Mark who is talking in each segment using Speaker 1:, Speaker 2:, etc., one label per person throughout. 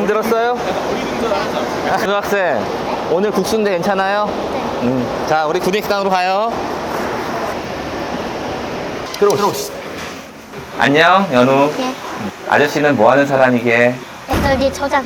Speaker 1: 힘들었어요? 중학생, 오늘 국수인데 괜찮아요? 네. 자, 우리 구내식당으로 가요. 들어오시죠. 안녕, 연우.
Speaker 2: 예.
Speaker 1: 아저씨는 뭐 하는 사람이게?
Speaker 2: SRD 처장.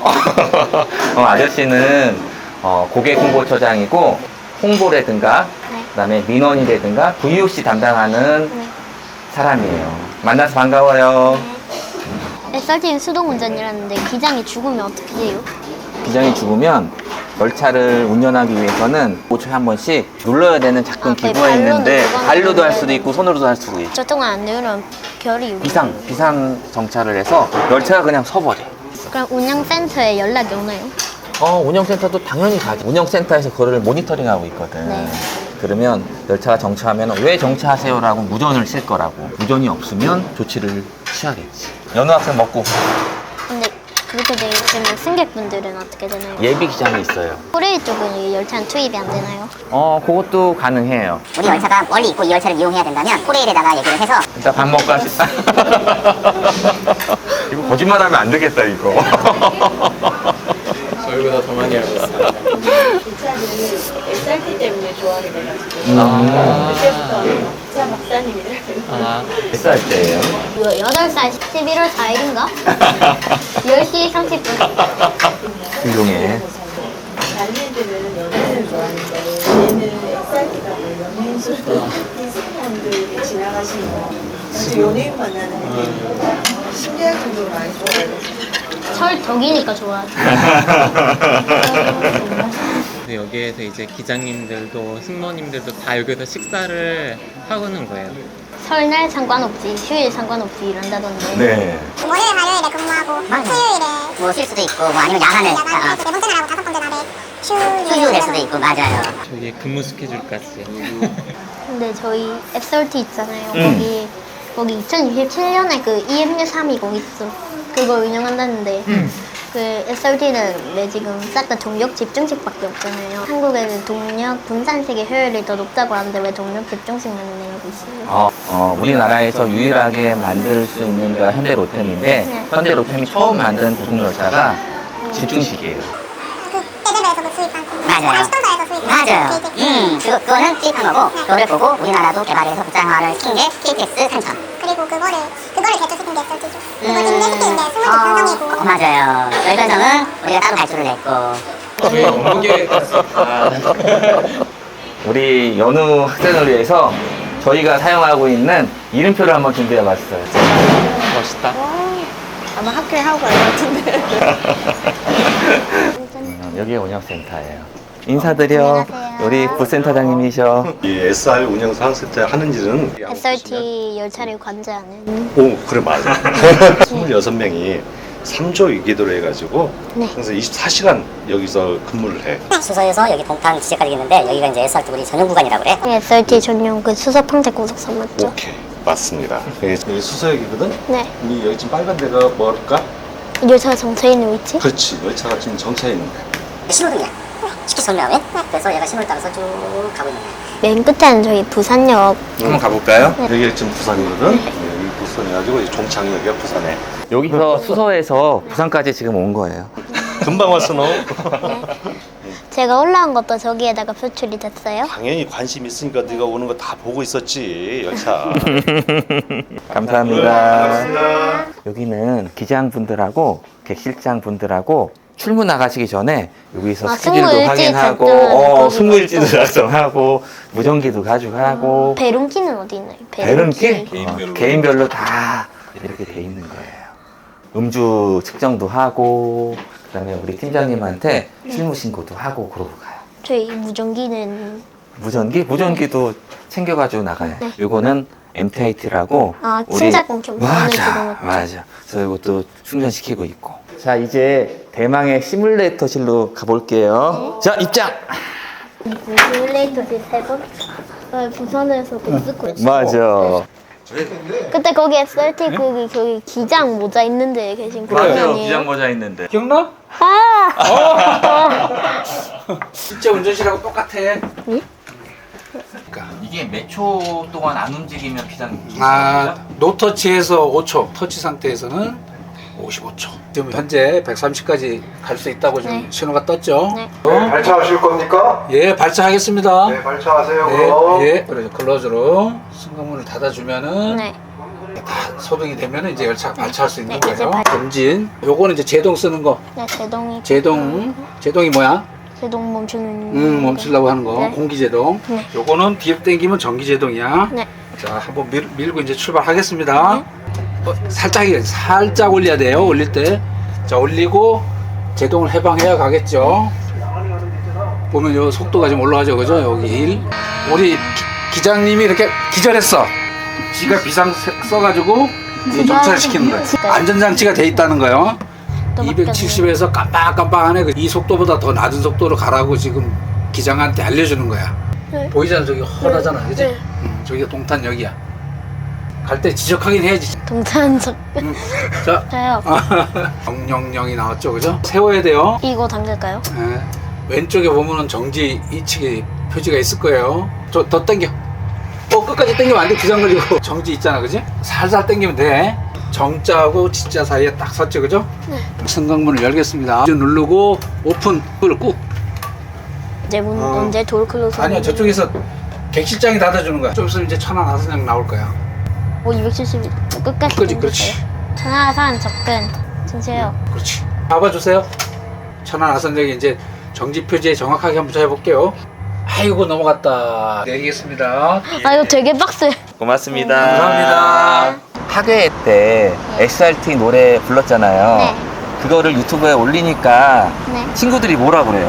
Speaker 1: 아저씨는 고객 홍보처장이고, 홍보라든가,
Speaker 2: 네.
Speaker 1: 그다음에 민원이라든가, VOC 담당하는
Speaker 2: 네.
Speaker 1: 사람이에요. 만나서 반가워요.
Speaker 2: SRT는 수동 운전이라는데 기장이 죽으면 어떻게 돼요?
Speaker 1: 기장이 죽으면 열차를 운전하기 위해서는 5초에 한 번씩 눌러야 되는 작동
Speaker 2: 아,
Speaker 1: 기구가
Speaker 2: 발로는
Speaker 1: 있는데
Speaker 2: 누르면
Speaker 1: 발로도 할
Speaker 2: 안
Speaker 1: 수도
Speaker 2: 되는데.
Speaker 1: 있고 손으로도 할 수도 있고
Speaker 2: 저 동안 안 누르면 결이
Speaker 1: 비상 정차를 해서 열차가 그냥 서버려.
Speaker 2: 그럼 운영센터에 연락이 오나요?
Speaker 1: 운영센터도 당연히 가지. 운영센터에서 그거를 모니터링하고 있거든.
Speaker 2: 네.
Speaker 1: 그러면 열차가 정차하면 왜 정차하세요라고 무전을 칠 거라고. 무전이 없으면 조치를 취하겠지. 연우 학생 먹고
Speaker 2: 근데 그렇게 되면 승객분들은 어떻게 되나요?
Speaker 1: 예비 기장이 있어요.
Speaker 2: 코레일 쪽은 이 열차는 투입이 안 되나요?
Speaker 1: 그것도 가능해요.
Speaker 3: 우리 열차가 멀리 있고 이 열차를 이용해야 된다면 코레일에다가 얘기를 해서
Speaker 1: 일단 밥 먹고 하시다. 이거 거짓말하면 안 되겠다 이거.
Speaker 4: 저희보다 더 많이 알고 있어요.
Speaker 5: 기차를 SRT 때문에 좋아하게 돼가지고 그때부터 기차 박사님이라고
Speaker 1: 몇 살 때예요?
Speaker 2: 8살 11월 4일인가? 10시 30분.
Speaker 1: 훌륭해.
Speaker 5: 다른 애들은 연예인을 좋아하는데 얘는 SRT가 연예인수로 비슷한분들이 지나가시는 거 진짜 연예인 만나는 느낌 신기할 정도로 많이 좋아해요.
Speaker 2: 덕이니까 좋아하죠.
Speaker 4: 근데 여기에서 이제 기장님들도 승무원님들도 다 여기서 식사를 하고는 거예요.
Speaker 2: 설날 상관없지, 휴일 상관없지 이런다던데.
Speaker 1: 네.
Speaker 3: 월요일 화요일에 근무하고 수요일에 뭐 쉴 수도 있고 뭐 아니면 야간에 네 번째 날하고 다섯 번째 날에 휴일 수도 있고 맞아요.
Speaker 4: 저기 근무 스케줄까지.
Speaker 2: 근데 저희 SRT 있잖아요. 거기 2027년에 그 EMU 320 있어. 그거 운영한다는데 그 SRT는 왜 지금 싹 다 동력 집중식밖에 없잖아요. 한국에는 동력 분산식의 효율이 더 높다고 하는데 왜 동력 집중식만 내고 있어요?
Speaker 1: 우리나라에서 유일하게 만들 수 있는 게 현대로템인데
Speaker 2: 네.
Speaker 1: 현대로템이 처음 만든 고속열차가 집중식이에요.
Speaker 3: 그 대대로에서 그 수입한 맞아요. 수동사에서 수입한 맞아요. 그거는 수입한 거고 그거를 보고 우리나라도 개발해서 국산화를 시킨 게 KTX 3000. 그리고 그거를 개조시킨 게 SRT죠. 그거 인내시키는데 승무원 편성이고. 맞아요. 저희 편성은 우리가 따로 발주를 냈고.
Speaker 4: 저희 업무계획까지 다.
Speaker 1: 우리 연우 학생을 위해서 저희가 사용하고 있는 이름표를 한번 준비해 봤어요.
Speaker 4: 멋있다.
Speaker 5: 아마 학교에 하고 갈 것 같은데
Speaker 1: 여기가 운영센터예요. 인사드려.
Speaker 2: 안녕하세요.
Speaker 1: 우리 부센터장님이셔.
Speaker 6: 이 SR 운영 상센터에 하는 일은
Speaker 2: SRT 열차를 관제하는.
Speaker 6: 오 그래 맞아 26명이 3조 위기도로 해가지고
Speaker 2: 네.
Speaker 6: 그래서 24시간 여기서 근무를 해.
Speaker 3: 수서에서 여기 동탄 지제까지 있는데 여기가 이제 SRT 우리 전용 구간이라고 그래.
Speaker 2: SRT 전용 그 수서평택 고속선 맞죠?
Speaker 6: 오케이 맞습니다. 여기 수서역이거든.
Speaker 2: 네.
Speaker 6: 우리 여기 지금 빨간 데가 뭘까?
Speaker 2: 열차가 정차해 있는 위치?
Speaker 6: 그렇지 열차가 지금 정차해 있는데.
Speaker 3: 신호등이야. 쉽게 설명하면 그래서 얘가 신호를 따라서 쭉 가고 있는 거야.
Speaker 2: 맨 끝에는 저희 부산역.
Speaker 1: 한번 가볼까요?
Speaker 6: 여기가 지금 부산이거든. 여기 부산이가지고 이제 종착이 여기가 부산에.
Speaker 1: 여기서 수서에서 부산까지 지금 온 거예요.
Speaker 6: 금방 왔어 너.
Speaker 2: 제가 올라온 것도 저기에다가 표출이 됐어요.
Speaker 6: 당연히 관심 있으니까 네가 오는 거 다 보고 있었지 열차.
Speaker 1: 감사합니다. 여기는 기장분들하고 객실장분들하고 출근 나가시기 전에 여기서
Speaker 2: 아,
Speaker 1: 스케줄도
Speaker 2: 승무일지
Speaker 1: 확인하고
Speaker 2: 작성하는
Speaker 1: 승무일지도 작성하고 무전기도 가져가고
Speaker 2: 배run키는 어디 있나요?
Speaker 1: 배run키? 개인별로 다 이렇게 돼 있는 거예요. 음주 측정도 하고 그다음에 우리 팀장님한테 실무 신고도 하고 그러고 가요.
Speaker 2: 저희 무전기는
Speaker 1: 무전기도 챙겨가지고 나가요.
Speaker 2: 네.
Speaker 1: 요거는 MTIT라고
Speaker 2: 침착공 경보하는
Speaker 1: 맞아
Speaker 2: 그거
Speaker 1: 맞아. 그래서 이것도 충전시키고 있고. 자 이제 대망의 시뮬레이터실로 가볼게요. 자 입장.
Speaker 2: 시뮬레이터실 3번? 부산에서 복스코
Speaker 1: 맞아.
Speaker 2: 그때 거기 SRT 거기 기장 모자 있는데 계신 분 아니에요?
Speaker 1: 기장 모자 있는데.
Speaker 4: 기억나?
Speaker 2: 아!
Speaker 4: 진짜 운전실하고 똑같아.
Speaker 1: 이게 몇 초 동안 안 움직이면 기장.
Speaker 7: 노터치에서 5초, 터치 상태에서는 55초. 지금 현재 130까지 갈 수 있다고 지금
Speaker 2: 네.
Speaker 7: 신호가 떴죠?
Speaker 2: 네.
Speaker 8: 발차하실 겁니까?
Speaker 7: 예, 발차하겠습니다.
Speaker 8: 네, 발차하세요. 그럼.
Speaker 7: 예, 예. 그래서 클로즈로 승강문을 닫아주면은
Speaker 2: 네.
Speaker 7: 다 소등이 되면은 이제 열차가 발차할 수 있는
Speaker 2: 네, 이제
Speaker 7: 거예요. 전진. 요거는 이제 제동 쓰는 거.
Speaker 2: 네, 제동이.
Speaker 7: 제동이 뭐야?
Speaker 2: 제동 멈추는.
Speaker 7: 멈추려고 하는 거.
Speaker 2: 네.
Speaker 7: 공기 제동.
Speaker 2: 네.
Speaker 7: 요거는 뒤로 당기면 전기 제동이야.
Speaker 2: 네.
Speaker 7: 자, 한번 밀고 이제 출발하겠습니다. 살짝 올려야 돼요. 올릴 때. 자, 올리고 제동을 해방해야 가겠죠. 보면 요 속도가 좀 올라가죠. 그죠? 여기 1. 우리 기장님이 이렇게 기절했어. 지가 비상 써가지고 정차시키는 거예요. 안전장치가 돼 있다는 거예요. 270에서 깜빡깜빡하네. 이 속도보다 더 낮은 속도로 가라고 지금 기장한테 알려주는 거야.
Speaker 2: 네.
Speaker 7: 보이잖아. 저기 험하잖아. 그지?
Speaker 2: 네.
Speaker 7: 저기가 동탄역이야. 갈 때 지적하긴 해야지.
Speaker 2: 동탄적.
Speaker 7: 자,
Speaker 2: 저요.
Speaker 7: 000이 나왔죠. 그죠? 세워야 돼요.
Speaker 2: 이거 당길까요?
Speaker 7: 네. 왼쪽에 보면은 정지 이측에 표지가 있을 거예요. 더 당겨. 끝까지 당기면 안 돼. 기장 걸리고. 정지 있잖아. 그지? 살살 당기면 돼. 정자하고 지자 사이에 딱 섰죠. 그죠?
Speaker 2: 네.
Speaker 7: 승강문을 열겠습니다. 누르고 오픈. 그걸 꾹.
Speaker 2: 이제 문 언제 돌 클로즈?
Speaker 7: 아니요. 저쪽에서 객실장이 닫아주는 거야. 좀 있으면 이제 천안하선역 나올 거야.
Speaker 2: 270 끝까지.
Speaker 7: 그렇지.
Speaker 2: 천하산 접근. 주세요.
Speaker 7: 그렇지. 잡아주세요. 천안하선역에 이제 정지 표지에 정확하게 한번 해볼게요. 아이고 넘어갔다. 내리겠습니다.
Speaker 2: 아 이거 되게 빡세.
Speaker 1: 고맙습니다.
Speaker 7: 감사합니다.
Speaker 1: 학예회 때 SRT 노래 불렀잖아요.
Speaker 2: 네.
Speaker 1: 그거를 유튜브에 올리니까
Speaker 2: 네.
Speaker 1: 친구들이 뭐라 그래요?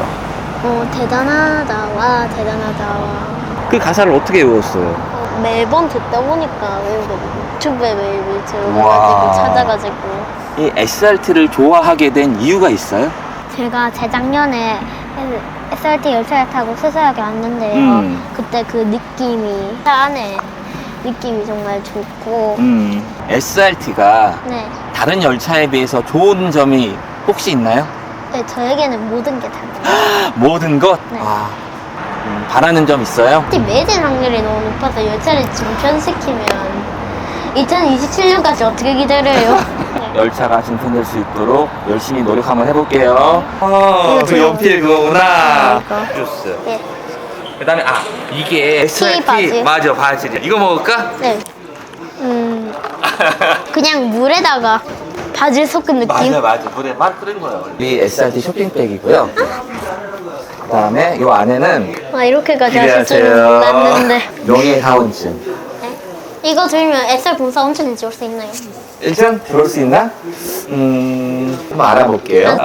Speaker 2: 대단하다 와 대단하다 와.
Speaker 1: 그 가사를 어떻게 외웠어요?
Speaker 2: 매번 듣다 보니까 외우거든요. 유튜브에 매일매일
Speaker 1: 와.
Speaker 2: 들어가지고 찾아가지고.
Speaker 1: 이 SRT를 좋아하게 된 이유가 있어요?
Speaker 2: 제가 재작년에 SRT 열차를 타고 수서역에 왔는데요. 그때 그 느낌이 차 안에 느낌이 정말 좋고.
Speaker 1: SRT가
Speaker 2: 네.
Speaker 1: 다른 열차에 비해서 좋은 점이 혹시 있나요?
Speaker 2: 네, 저에게는 모든 게 다.
Speaker 1: 모든 것?
Speaker 2: 네.
Speaker 1: 아, 바라는 점 있어요?
Speaker 2: 특히 매진 확률이 너무 높아서 열차를 중편시키면 2027년까지 어떻게 기다려요?
Speaker 1: 열차가 진편될 수 있도록 열심히 노력 한번 해볼게요.
Speaker 2: 이거
Speaker 1: 그 연필 그거구나.
Speaker 2: 이거.
Speaker 1: 주스.
Speaker 2: 네.
Speaker 1: 그 다음에, 이게 SRT.
Speaker 2: 바지.
Speaker 1: 맞아, 바지. 이거 먹을까?
Speaker 2: 네. 그냥 물에다가 바질 섞은 느낌?
Speaker 1: 맞아. 물에 막 끓인 거예요. 이 SRT 쇼핑백이고요. 그 다음에 이 안에는
Speaker 2: 이렇게까지 하실 줄은 몰랐는데.
Speaker 1: 명예 사원증.
Speaker 2: 네. 이거 들면 SR 봉사 온천인지 올 수 있나요?
Speaker 1: 1등 들어올 수 있나? 한번 알아볼게요.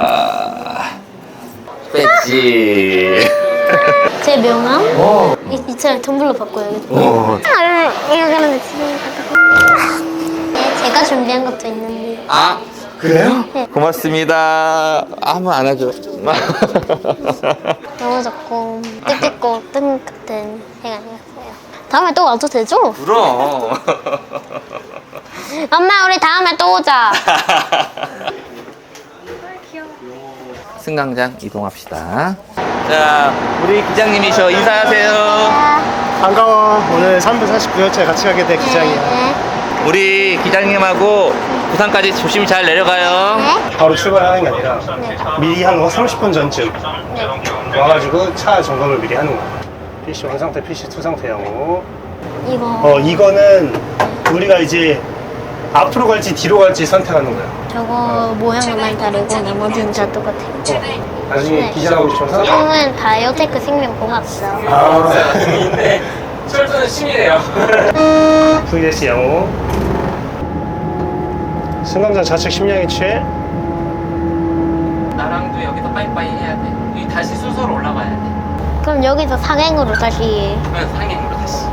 Speaker 1: 배지.
Speaker 2: 제 명함? 이 차를 텀블러 바꿔야겠다. 이거 그런데 지금. 네, 제가 준비한 것도 있는데.
Speaker 1: 그래요?
Speaker 2: 네.
Speaker 1: 고맙습니다. 한번 안아줘.
Speaker 2: 너무 좋고 뜻깊고 뜻 같은 시간이었어요. 다음에 또 와도 되죠?
Speaker 1: 그럼.
Speaker 2: 엄마 우리 다음에 또 오자.
Speaker 1: 승강장 이동합시다. 자, 우리 기장님이셔. 인사하세요.
Speaker 8: 반가워. 오늘 3분 49여차에 같이 가게 될 기장이야.
Speaker 2: 네.
Speaker 1: 우리 기장님하고 부산까지 조심히 잘 내려가요.
Speaker 2: 네.
Speaker 8: 바로 출발하는 게 아니라 미리 한 30분 전쯤 와가지고 차 점검을 미리 하는 거야. PC 1 상태, PC 2 상태하고.
Speaker 2: 이거
Speaker 8: 이거는 우리가 이제 앞으로 갈지 뒤로 갈지 선택하는 거야.
Speaker 2: 저거 모양만 다르고 나머지는 다 똑같아요.
Speaker 8: 나중에
Speaker 2: 네.
Speaker 8: 기장하고 싶어서.
Speaker 2: 이거는 바이오테크 생명공학사.
Speaker 8: 네.
Speaker 4: 철도는 심이네요.
Speaker 8: VS 양호. 승강장 좌측 심량이 취해.
Speaker 4: 나랑도 여기서 빠이빠이 해야 돼. 다시 순서로 올라가야 돼.
Speaker 2: 그럼 여기서 상행으로 다시.
Speaker 4: 그래서 상행으로 다시.